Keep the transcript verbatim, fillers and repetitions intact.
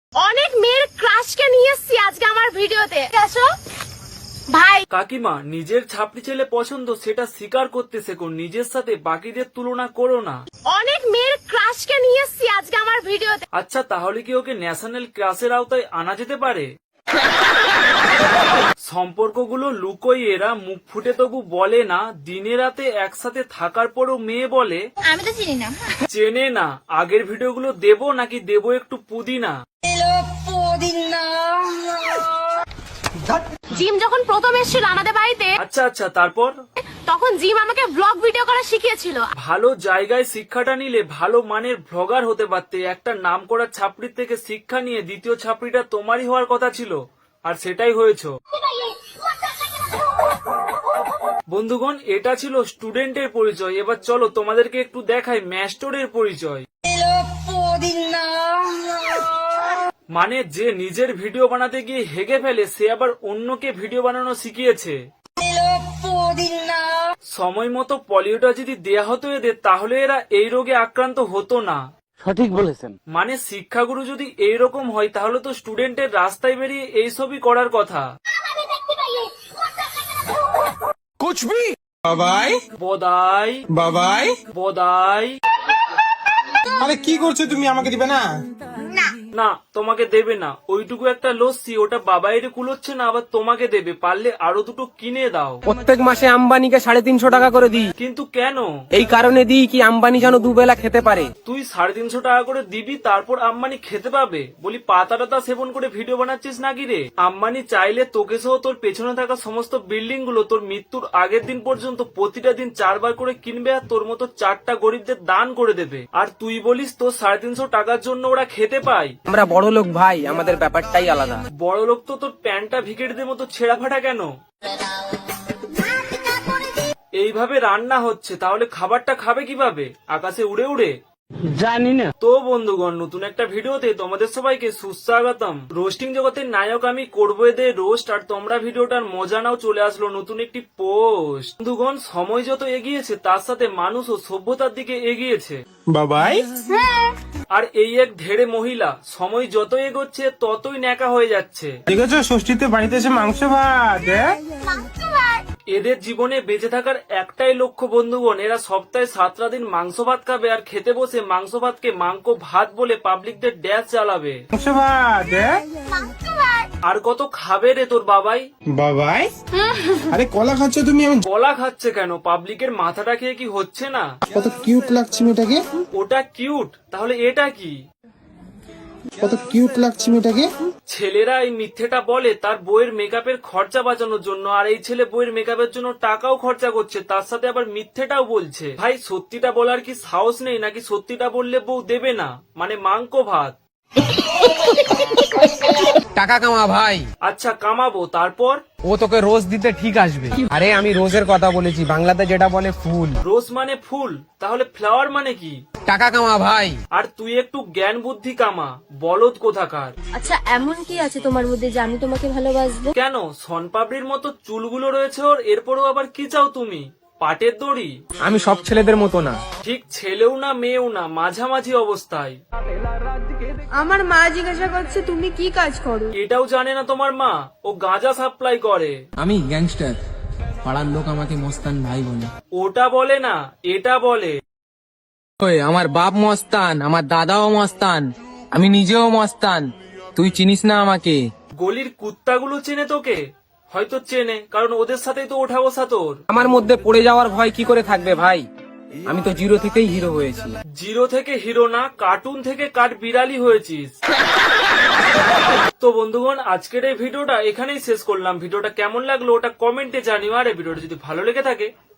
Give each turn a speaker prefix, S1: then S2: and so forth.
S1: অনেক মেয়ের ক্রাশকে নিয়ে এসেছি আজকে আমার ভিডিওতে। আসো ভাই।
S2: কাকিমা, নিজের ছাপড়ি ছেলে পছন্দ সেটা স্বীকার করতে শেখো, নিজের সাথে বাকিদের তুলনা করো না।
S1: অনেক মেয়ের ক্রাশকে নিয়ে এসেছি আজকে আমার ভিডিওতে।
S2: আচ্ছা, তাহলে কি ওকে ন্যাশনাল ক্রাশের আওতায় আনা যেতে পারে? সম্পর্কগুলো লুকোই, এরা মুখ ফুটে তবু বলে না। দিনে রাতে একসাথে থাকার পরও মেয়ে বলে
S1: আমি তো চিনি না।
S2: চেনে না। আগের ভিডিওগুলো দেবো নাকি দেবো একটু পুদিনা?
S1: জিম যখন প্রথম এসেছিল আমাদের বাড়িতে,
S2: আচ্ছা আচ্ছা, তারপর?
S1: তখন জিম আমাকে ব্লগ ভিডিও করা শিখিয়েছিল।
S2: ভালো জায়গায় শিক্ষাটা নিলে ভালো মানের ভ্লগার হতে পারতে। একটা নাম করা ছাপড়ির থেকে শিক্ষা নিয়ে দ্বিতীয় ছাপড়িটা তোমারই হওয়ার কথা ছিল, আর সেটাই হয়েছো। বন্ধুগণ, এটা ছিল স্টুডেন্টের পরিচয়। এবার চলো তোমাদেরকে একটু দেখাই ম্যাস্টরের পরিচয়। মানে যে নিজের ভিডিও বানাতে গিয়ে হেগে ফেলে, সে আবার অন্যকে ভিডিও বানানো শিখিয়েছে। সময় মতো পলিওটা যদি দেয়া হতো এদের, তাহলে এরা এই রোগে আক্রান্ত হতো না।
S3: সঠিক বলেছেন।
S2: মানে শিক্ষাগুরু যদি এইরকম হয়, তাহলে তো স্টুডেন্টের রাস্তায় বেরিয়ে এইসবই করার কথা।
S4: कुछ भी বাবাই
S2: বদাই
S4: বাবাই
S2: বদাই।
S4: আরে কি করছো তুমি? আমাকে দিবে না?
S2: না, তোমাকে দেবে না। ওইটুকু একটা লস্যি, ওটা বাবাইরে কুলোচ্ছে না, আবার তোমাকে দেবে। পারলে আরো দুটো কিনে দাও।
S3: প্রত্যেক মাসে আম্বানিকে সাড়ে তিনশো টাকা করে দিই।
S2: কিন্তু কেন?
S3: এই কারণে দিই কি আম্বানি যেন দুবেলা খেতে পারে।
S2: তুই সাড়ে তিনশো টাকা করে দিবি, তারপর আম্বানি খেতে পাবে? বলি পাতা টাতা সেবন করে ভিডিও বানাচ্ছিস নাকি রে? আম্বানি চাইলে তোকে সহ তোর পেছনে থাকা সমস্ত বিল্ডিং গুলো তোর মৃত্যুর আগের দিন পর্যন্ত প্রতিটা দিন চারবার করে কিনবে, আর তোর মতো চারটা গরিবদের দান করে দেবে। আর তুই বলিস তোর সাড়ে তিনশো টাকার জন্য ওরা খেতে পায়?
S3: আমরা বড় লোক ভাই, আমাদের ব্যাপারটাই আলাদা।
S2: বড় লোক তো তোর প্যান্টটা ভিকেটদের মতো ছেঁড়া ফাটা কেন? এইভাবে রান্না হচ্ছে, তাহলে খাবারটা খাবে কিভাবে? আকাশে উড়ে উড়ে?
S3: জানি না।
S2: তো বন্ধুগণ, নতুন একটা ভিডিওতে তোমাদের সবাইকে সুস্বাগতম। রোস্টিং জগতের নায়ক আমি করবো এদের রোস্ট, আর তোমরা ভিডিওটার মজা নাও। চলে আসলো নতুন একটি পোস্ট। বন্ধুগণ, সময় যত এগিয়েছে তার সাথে মানুষ ও সভ্যতার দিকে এগিয়েছে।
S4: বাবাই
S2: আর এই এক ধেড়ে মহিলা সময় যত এগোচ্ছে ততই ন্যাকা হয়ে যাচ্ছে।
S4: দেখেছো ষষ্ঠীতে বাড়িতে এসে মাংস ভাত? হ্যাঁ?
S2: এদের জীবনে বেঁচে থাকার একটাই লক্ষ্য বন্ধুগণ। এরা সপ্তাহে সাতটা দিন মাংস ভাত খাবে, আর খেতে বসে মাংস ভাতকে মাংকো ভাত বলে পাবলিকদের ড্যাশ চালাবে।
S4: মাংস ভাত? হ্যাঁ?
S2: আর কত খাবে রে তোর বাবাই?
S4: বাবাই আরে কলা খাচ্ছ তুমি? আমি
S2: গলা খাচ্ছে কেন? পাবলিকের মাথাটা খেয়ে কি হচ্ছে না?
S4: কত কিউট লাগছে মেয়েটাকে।
S2: ওটা কিউট, তাহলে এটা কি?
S4: কত কিউট লাগছে মেয়েটাকে।
S2: ছেলেরা এই মিথ্যেটা বলে তার বইয়ের মেকআপের খরচা বাঁচানোর জন্য, আর এই ছেলে বইয়ের মেকআপের জন্য টাকাও খরচা করছে, তার সাথে আবার মিথ্যেটাও বলছে। ভাই, সত্যিটা বলার কি সাহস নেই নাকি? সত্যিটা বললে বউ দেবে না, মানে মাংকো ভাত।
S3: টাকা কামা ভাই।
S2: আচ্ছা, কামাবো, তারপর?
S3: ও তোকে রোজ দিতে ঠিক আসবে। আরে আমি রোজের কথা বলেছি, বাংলাতে যেটা বলে ফুল।
S2: রোজ মানে ফুল, তাহলে ফ্লাওয়ার মানে কি?
S3: টাকা কামা ভাই।
S2: আর তুই একটু জ্ঞান বুদ্ধি কামা, বলদ কোথাকার।
S5: আচ্ছা, এমন কি আছে তোমার মধ্যে যে আমি তোমাকে ভালোবাসবো?
S2: কেন, সনপাপড়ির মতো চুলগুলো রয়েছে ওর, এরপরও আবার কি চাও তুমি? পাটের দড়ি?
S3: আমি সব ছেলেদের মতো না।
S2: ঠিক ছেলেও না মেয়েও না, মাঝামাঝি অবস্থায়।
S5: আমার মা জিজ্ঞাসা করছে তুমি কি কাজ করো।
S2: এটাও জানে না তোমার মা? ও গাঁজা সাপ্লাই করে।
S6: আমি গ্যাংস্টার, পাড়ার লোক আমাকে মস্তান ভাই বলে।
S2: ওটা বলে না, এটা বলে।
S6: ওই আমার বাপ মস্তান, আমার দাদাও মস্তান, আমি নিজেও মস্তান, তুই চিনিস না আমাকে।
S2: গলির কুত্তাগুলো চেনে তোকে? হয়তো চেনে, কারণ ওদের সাথেই তো ওঠা বসা তোর।
S3: আমার মধ্যে পড়ে যাওয়ার ভয় কি করে থাকবে ভাই? আমি তো জিরো থেকেই হিরো হয়েছি।
S2: জিরো থেকে হিরো না, কার্টুন থেকে কাঠ বিড়ালি হয়েছিস। তো বন্ধুগণ, আজকের এই ভিডিওটা এখানেই শেষ করলাম। ভিডিওটা কেমন লাগলো ওটা কমেন্টে জানিও, আর এই ভিডিওটা যদি ভালো লেগে থাকে